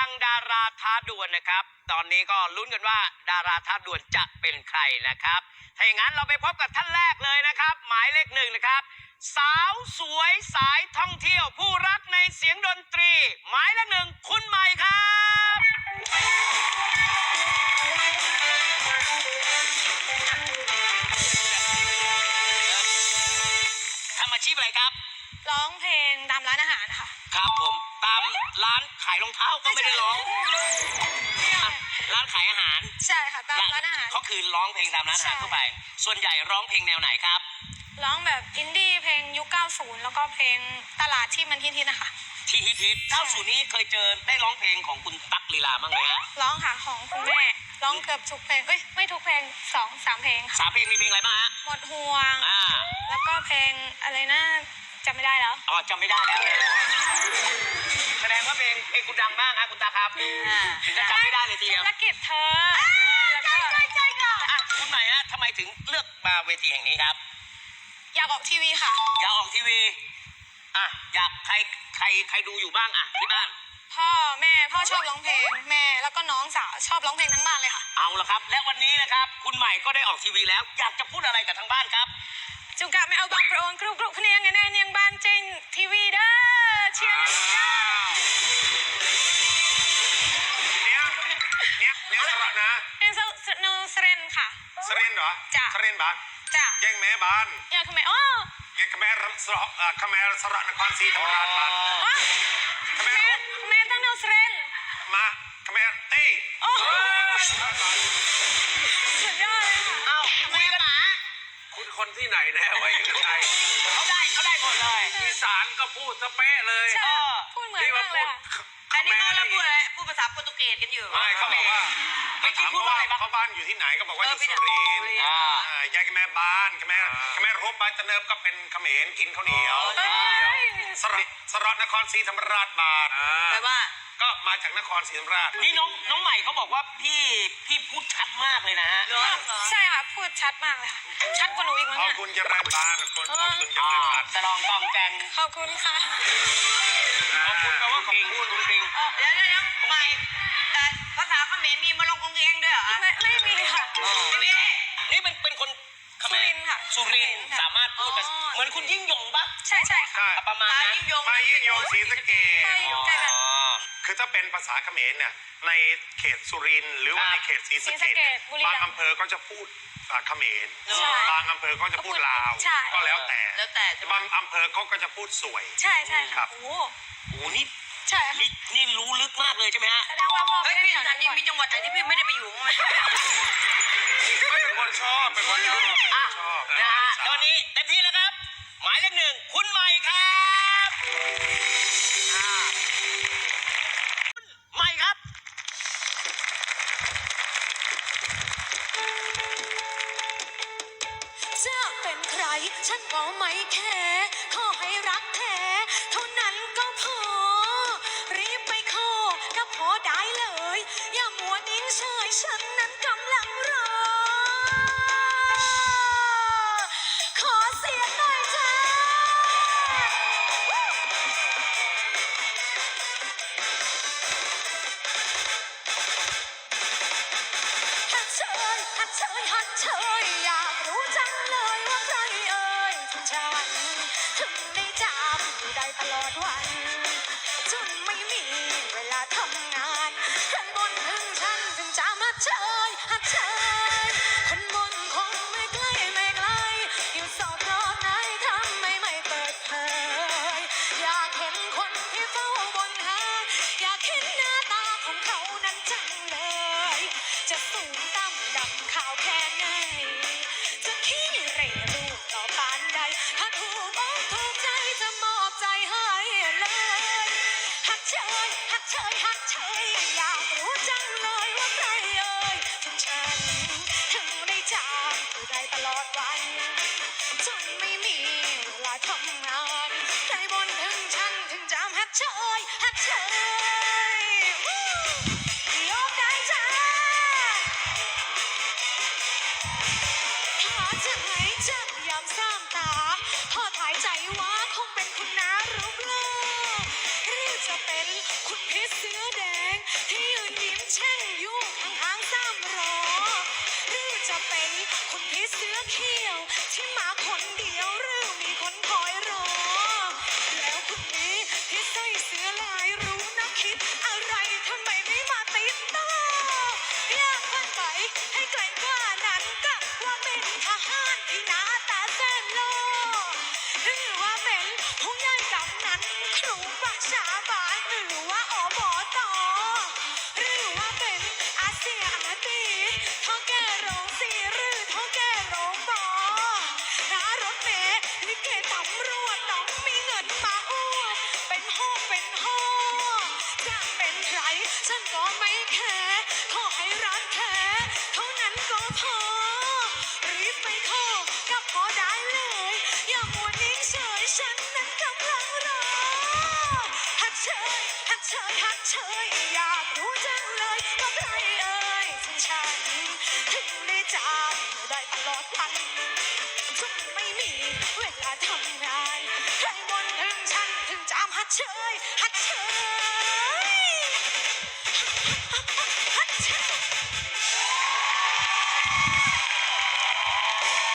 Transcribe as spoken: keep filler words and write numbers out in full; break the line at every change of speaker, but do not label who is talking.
ดังดาราท้าดวลนะครับตอนนี้ก็ลุ้นกันว่าดาราท้าดวลจะเป็นใครนะครับถ้าอย่างนั้นเราไปพบกับท่านแรกเลยนะครับหมายเลขหนึ่งนะครับสาวสวยสายท่องเที่ยวผู้รักในเสียงดนตรีหมายเลขหนึ่งคุณใหม่ครับทำอาชีพอะไรครับ
ร้องเพลงตามร้านอาหารค่ะ
ครับผมตามร้านขายรองเท้าก็ไม่ได้ร้องร้านขายอาหาร
ใช่ค่ะตามร้านอาหาร
เขาคือร้องเพลงตามร้านอาหารทั่วไปส่วนใหญ่ร้องเพลงแนวไหนครับ
ร้องแบบอินดี้เพลงยุคเก้าสิบแล้วก็เพลงตลาดที่มันฮิตๆนะคะ
ที่ฮิตๆเก้าสิบนี้เคยเจอได้ร้องเพลงของคุณตั๊กลีลาบ้างไหมฮะ
ร้องค่ะของคุณแม่ร้องเกือบทุกเพลงเอ้ยไม่ทุกเพลงสองสามเพลงค่ะ
สามเพลงมีเพลงอะไรบ้างฮะ
หมดห่วงแล้วก็เพลงอะไรนะจำไม่ได้แล้ว
อ๋อจำไม่ได้แล้วแสดงว่าเพลงเพลงคุณดังมากฮะคุณตาครับถึงจะจำไม่ได้เลยทีเดียว
ธุรกิจเธอ
ใช่ใช่ใช่ค่ะคุณใหม่ฮะทำไมถึงเลือกมาเวทีแห่งนี้ครับ
อยากออกทีวีค่ะ
อยากออกทีวีอ่ะอยากใครใครใครดูอยู่บ้างอ่ะที่บ้าน
พ่อแม่พ่อชอบร้องเพลงแม่แล้วก็น้องสาวชอบร้องเพลงทั้งบ้านเลยค่ะ
เอาละครับและวันนี้นะครับคุณใหม่ก็ได้ออกทีวีแล้วอยากจะพูดอะไรกับทางบ้านครับ
จุกะไม่เอาบางประโอนกรุบกรุบคะแนนไงแน่เนียงบ้านจริงทีวีเด้อเชียร์
เนี้ยเนี้ยเนี้ยสระนะ
เป็นสโนสเรนค่ะ
สเรนเหรอ
จ้ะ
สเรนบ้าน
จ้ะ
แย่งแม่บ้าน
อยากทำไมอ๋อ
แย่งแม่รัสระขแม่สระนครศรีธรรมราชบ้านขแม่
แม่ตั้งโนสเรน
มาขแม่เต้
โอ้สุดยอดเลยค่ะ
เอาคุยกันหมา
คุณคนที่ไหนแน่วะยังไง
เขาได้เขาได้หมดเลย
อีสานก็พูดสเป๊ะเลย
พูดเหมือนกันเลย
อันนี้เขาพูดอะไรพูดภาษาโปรตุเกสกันอยู่
ไม่เขาบอกว่า
ไม่คิดพูดว่าอะไรบ้าง
เขาบ้านอยู่ที่ไหนก็บอกว่าอยู่สุรินทร์ยายแม่บ้านแม่แม่รบบ้านตะเนิบก็เป็นเขมรกินข้าวเหนียวสระสระนครศรีธรรมราชบาท
แปลว่า
ก็มาจากนครศรีธรรมราช
นี่น้องน้องใหม่เขาบอกว่าพี่พี่พูดชัดมากเลยนะฮะ
ใช่ค่ะพูดชัดมากเลยค่ะชัดกว่าหนูอีกมั้ง
ขอบคุณเจริญบานขอบคุณเจริญบาน
สลองกองแกง
ขอบคุณค่ะ
ขอบคุณแปลว่าขอบคุณคุณปิง
เดี๋ยวเดี๋ยวใหม่ภาษาเขมรมีมาลงกงเองด้วยเหรอ
ไม่ไม่มีค่ะ
ไม่มี
นี่เป็นเป็นคน
สุรินค่ะ
สุรินสามารถพูดเหมือนคุณยิ่งยงปะ
ใช่ใช่ค่ะ
ประมาณนั้น
มายิ่งยงศรีสะเกษคือถ้าเป็นภาษาเขมรเนี่ยในเขตสุรินทร์หรือว่าในเขตศรีสะเกษบางอำเภอก็จะพูดเขมรบางอำเภอก็จะพูดลาวก็แล้วแต่
แล้วแต่
บางอำเภอเขาก็จะพูดสวย
ใช่ใช่
ครับ
โอ้
โหนี่
ใช่
นี่นี่รู้ลึกมากเลยใช่ไหมฮะ
แสดงว่าพ่อไม่ได้
แถวนั้นมีจังหวัดไหนที่พี่ไม่ได้ไปอยู่มั้ย
ไม่เป็นคนชอบเป็นคนชอบชอบ
นะฮะตอนนี้เต็มที่แล้วครับหมายเลขหนึ่งคุณใหม่ครับใหม่ครับ
จะเป็นใครฉันก็ไม่แคร์ขอให้รักแท้เท่านั้นก็พอรีบไปขอก็พอได้เลยอย่ามัวนิ่งเฉยฉันนั้นกำลังรอขอเสียงหน่อยจ้าฮัทเชยฮัทเชยฮัทเชยอยากรู้จังเลยว่าใครเอ่ยถึงฉันถึงได้จำอยู่ได้ตลอดวันจนไม่มีเวลาทำงานคนบนถึงฉันถึงจะมาเชยฮัทเชยคนบนคงไม่ใกล้ไม่ไกลอยู่สอบรอบไหนทำไมไม่เปิดเผยอยากเห็นคนที่เฝ้าบนหาอยากเห็นหน้าตาของเขานั้นจังเลยจะสูงต่ำดำขาวแค่ไหนจะขี้เหร่รูปต่อปานใดถ้าถูกอกถูกใจจะมอบใจให้เลยฮักเชยฮักเชยฮักเชยอยากรู้จังเลยว่าใครเอ่ยถึงฉันถึงได้จำอยู่ได้ตลอดวันจนไม่มีเวลาทำงานใครบนถึงฉันถึงจำฮักเชยฮักเชยยกได้จ้าถ้าจะให้จับยามสามตาพอถ่ายใจว่าคงเป็นคุณน้ารูปหล่อหรือจะเป็นคุณพี่เสื้อแดงเชยฮัดเชยฮัดเชยอยากรู้จังเลยว่าใครเอ่ยถึงฉันถึงได้จำได้ตลอดวันทุกไม่มีเวลาทำงานใครบ่นถึงฉันถึงจำฮัดเชยฮัดเช